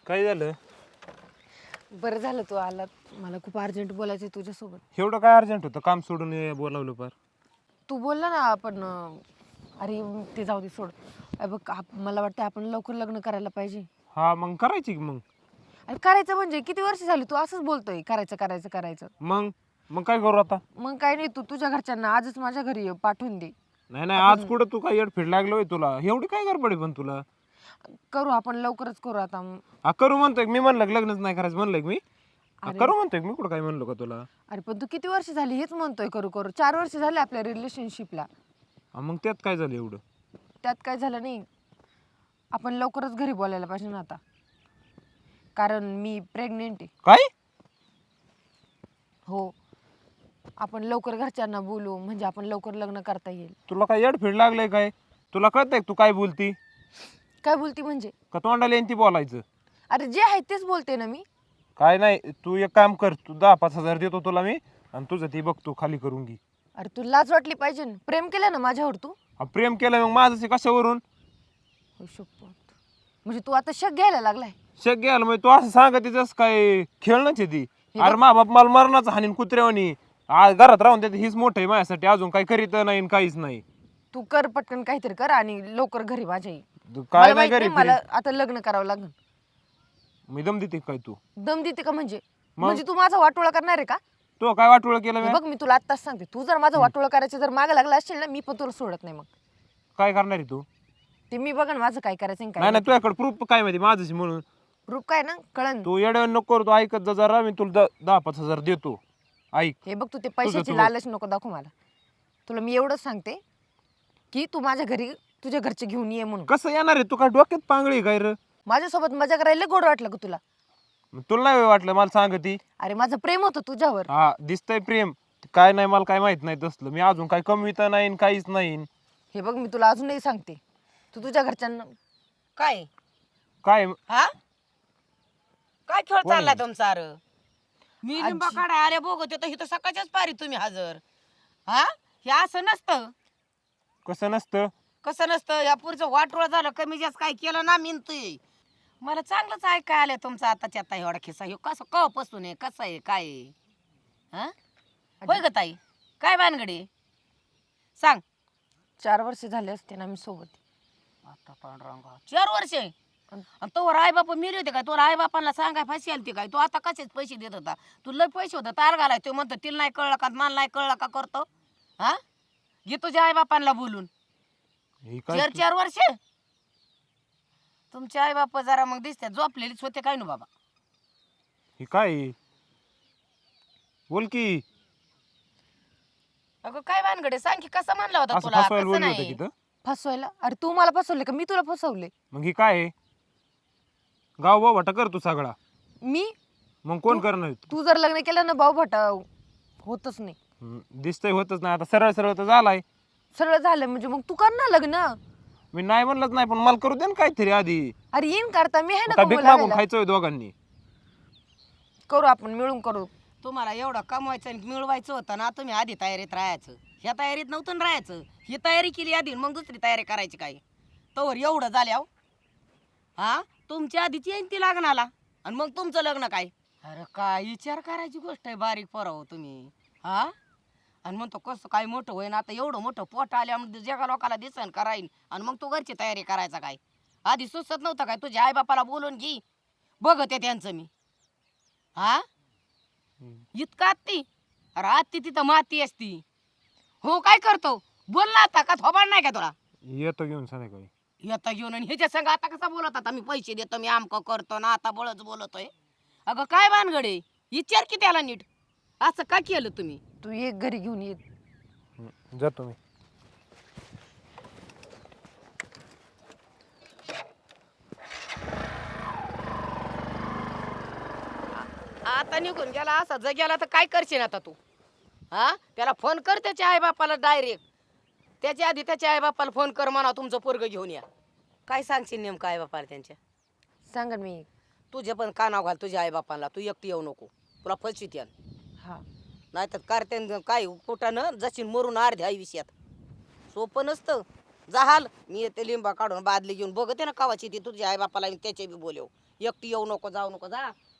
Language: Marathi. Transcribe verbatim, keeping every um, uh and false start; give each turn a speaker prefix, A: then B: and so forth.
A: काय झालं?
B: बरं झालं तू आलात. मला खूप अर्जंट बोलायचं आहे तुझ्यासोबत.
A: एवढं काय अर्जंट होतं? काम सोडून ये बोलावलं पार.
B: तू बोलला ना आपण अं, अरे ते जाऊ दे सोड. अरे बघ आप- मला वाटतं आपण लवकर लग्न करायला पाहिजे.
A: हा मग करायची की मग.
B: अरे करायचं म्हणजे किती वर्ष झाली तू असंच बोलतोय करायचं करायचं करायचं.
A: मग मग काय करू आता?
B: मग काय नाही तू तुझ्या घरच्यांना आजच माझ्या घरी ये, पाठवून दे.
A: नाही नाही आज कुठं तू काय येडफेड लागलोय तुला? एवढी काय गडबड आहे पण तुला?
B: करू आपण लवकरच करू आता.
A: हा करू म्हणतोय मी, म्हणलं की लग्नच नाही करायचं म्हणलंय की मी. हा,
B: अरे
A: करू म्हणतोय की मी, कुठं काय म्हणलो का तुला?
B: अरे पण तू किती वर्ष झाली हेच म्हणतोय करू करू. चार वर्ष झाले आपल्या रिलेशनशिपला.
A: हा, मग त्यात काय झालं एवढं?
B: त्यात काय झालं नाही. आपण लवकरच घरी बोलायला पाहिजे ना आता, कारण मी प्रेग्नेंट आहे.
A: काय?
B: हो, आपण लवकर घरच्यांना बोलू म्हणजे आपण लवकर लग्न करता येईल.
A: तुला काय येडफेड लागलंय काय? तुला कळतंय तू काय बोलती?
B: काय बोलती म्हणजे?
A: का तोंडाला येईन ती बोलायचं?
B: अरे जे आहे तेच बोलते ना मी.
A: काय नाही, तू एक काम कर, तू दहा पाच हजार देतो तुला मी, आणि तुझं ती बघतो खाली करून घे.
B: अरे तू लाज वाटली पाहिजे ना. प्रेम केलं ना माझ्यावर तू.
A: हा, प्रेम केलं मग माझं कशावरून?
B: हो शपथ. म्हणजे तू आता शक घ्यायला लागलाय.
A: शक घ्यायला म्हणजे तू असं सांगत तिथंच काय खेळणंच आहे ती? अरे मा बाप मला मरणाचं हानीन कुत्र्यावानी. आज घरात राहून त्यात हीच मोठं आहे माझ्यासाठी, अजून काही करीत नाही काहीच नाही.
B: तू कर पटकन काहीतरी कर आणि लवकर घरी माझ्या ये.
A: तू काय
B: मला
A: नाही
B: माहित नाही,
A: करीत
B: मला आता लग्न करावं लागेल.
A: मी दम देते काय तू?
B: दम देते का म्हणजे?
A: मग?
B: म्हणजे तू माझा वाटोळा करणार आहे का?
A: तू काय वाटोळ केलं
B: हे
A: मी?
B: बघ मी तुला आत्ताच सांगते, तू जर माझा वाटोळा करायचं जर मागे लागला असेल ना, मी पण तुला सोडत नाही. मग
A: काय करणार आहे तू?
B: ते मी बघ माझं काय करायचं आणि
A: नाही
B: काय
A: नाही, तुझ्याकडे प्रूफ काय माहिती माझ्याशी म्हणून?
B: रूप काय ना कळन.
A: तू येड्या नको करू, तू ऐकत जा जरा, मी तुला द- दहा पाच हजार देतो. ऐक.
B: हे बघ तू ते पैशाची
A: तू-
B: लालच नको दाखव मला. तुला मी एवढंच सांगते की तू माझ्या घरी तुझ्या घरचे घेऊन ये म्हणून.
A: कसं येणार आहे? तू काय डोक्यात पांगळी काय रे?
B: माझ्यासोबत मजा करायला लय गोड वाटलं का तुला?
A: मग तुला नाही वाटलं मला सांगती?
B: अरे माझं प्रेम होतं तुझ्यावर.
A: हा दिसतंय प्रेम. काय नाही मला काय माहित नाही तसलं. मी अजून काय कमी तर नाही काहीच नाही.
B: हे बघ मी तुला अजूनही सांगते, तू तुझ्या घरच्यांना
C: काय
A: काय
C: हा काय खेळ
A: कोण
C: चाललाय
A: आहे?
C: तुमचा? अरे मी लिंबा काढा अरे बघत तर इथं सकाळच्याच पारी तुम्ही हजर. हा हे असं नसतं.
A: कसं नसतं?
C: कसं नसतं? या पुढचं वाटोळ झालं कमी जास्त काय केलं ना मिनतोय. मला चांगलंच ऐकाय आलं तुमचं आताच्या आता एवढा खिस्सा. ह्यो कसं कवापासून आहे, कसं आहे, काय आहे? हा होय ग ताई, काय भानगडी सांग.
B: चार वर्ष झाले असते ना मी सोबत.
C: आता पांडुरंगा चार वर्ष आणि तोवर आई बाप मेले होते काय? तोवर आई बापांना सांगाय फाशी आलती काय? तू आता कसेच पैसे देत होता? तू लय पैसे होता तार घालाय. तो म्हणतो तिला नाही कळलं का, मला नाही कळलं का करतो? हा घे तुझ्या आई बापांना बोलून.
A: हे काय
C: चार चार वर्ष तुमचे आई बाप जरा मग दिसतात झोपलेलीच होते काय ना बाबा.
A: हे काय आहे? बोल की.
C: अगं काय भानगडे सांग की कसं म्हणला होता
A: असं
C: तुला?
A: फसवायला
C: कसं
A: बोलली होतं
C: नाही
A: की तर?
B: फसवायला? अरे तू मला फसवले का मी तुला फसवले?
A: मग ही काय आहे? गाव बाबा कर तू सगळा.
B: मी
A: मग कोण करणार?
B: तू जर लग्न केलं ना भाऊ भटा होतच नाही.
A: हम्म, दिसतंय होतच नाही. आता सरळ सरळ तर झालाय.
B: सरळ झालं म्हणजे मग तू कर ना लग्न.
A: मी नाही म्हणलंच नाही, पण मला करू दे ना काहीतरी आधी.
B: अरे येईन करता मी आहे ना
A: काय
B: कमवू
A: भीक मागून
B: लागायला.
A: खायचंय दोघांनी?
B: करू आपण मिळून करू.
C: तुम्हाला एवढं कमवायचं आणि मिळवायचं होतं ना, तुम्ही आधी तयारीत राहायचं. ह्या तयारीत नव्हतं ना राहायचं. ही तयारी केली आधी मग दुसरी तयारी करायची काय? तोवर एवढं झाल्या हा तुमच्या आधीच येईन ती लग्नाला आणि मग तुमचं लग्न काय? अरे काय विचार करायची गोष्ट आहे बारीक पोराव तुम्ही. हा आणि म्हणतो कसं काय मोठं होईन आता, एवढं मोठं पोट आल्यामध्ये जगा लोकाला दिसन कराईन आणि मग तू घरची तयारी करायचा काय? आधी सुचत नव्हतं काय? तुझ्या आई बापाला बोलून घे बघते त्यांचं मी. हा इतका आत्ती? अरे आत्ती तिथं माती असती. हो काय करतो बोल ना आता, का थोबाड नाही का तुला?
A: येतो घेऊन संध्याकाळी.
C: येता घेऊन आणि ह्याच्या संग आता कसा बोलत आता? मी पैसे देतो, मी आमकं करतो ना, आता बळच बोलतोय. अगं काय भानगडे विचार की त्याला नीट. असं का केलं तुम्ही?
B: तू एक घरी घेऊन ये.
A: हम्म, जातो मी.
C: आता निघून गेला असा जग्याला तर काय करशील आता तू? हा त्याला फोन कर त्याच्या आई बापाला डायरेक्ट. त्याच्या आधी त्याच्या आई बापाला फोन कर म्हणा तुमचं पोरग घेऊन या. काय सांगशील नेमकं आई बापाला त्यांच्या?
B: सांगा मी.
C: तुझे पण कानाव घाल तुझ्या आई बापाला. तू एकटी येऊ नको, तुला फसवीत यान.
B: हा
C: नाहीतर कार्त्यान काय कुठानं जशी मरून अर्ध्या आयुष्यात. सोपं नसतं. जहाल मी येते लिंबा काढून बादली घेऊन बघते ना कावाची ती तुझ्या आई बापाला त्याचे बी बोलव. एकटी येऊ नको जाऊ नको जा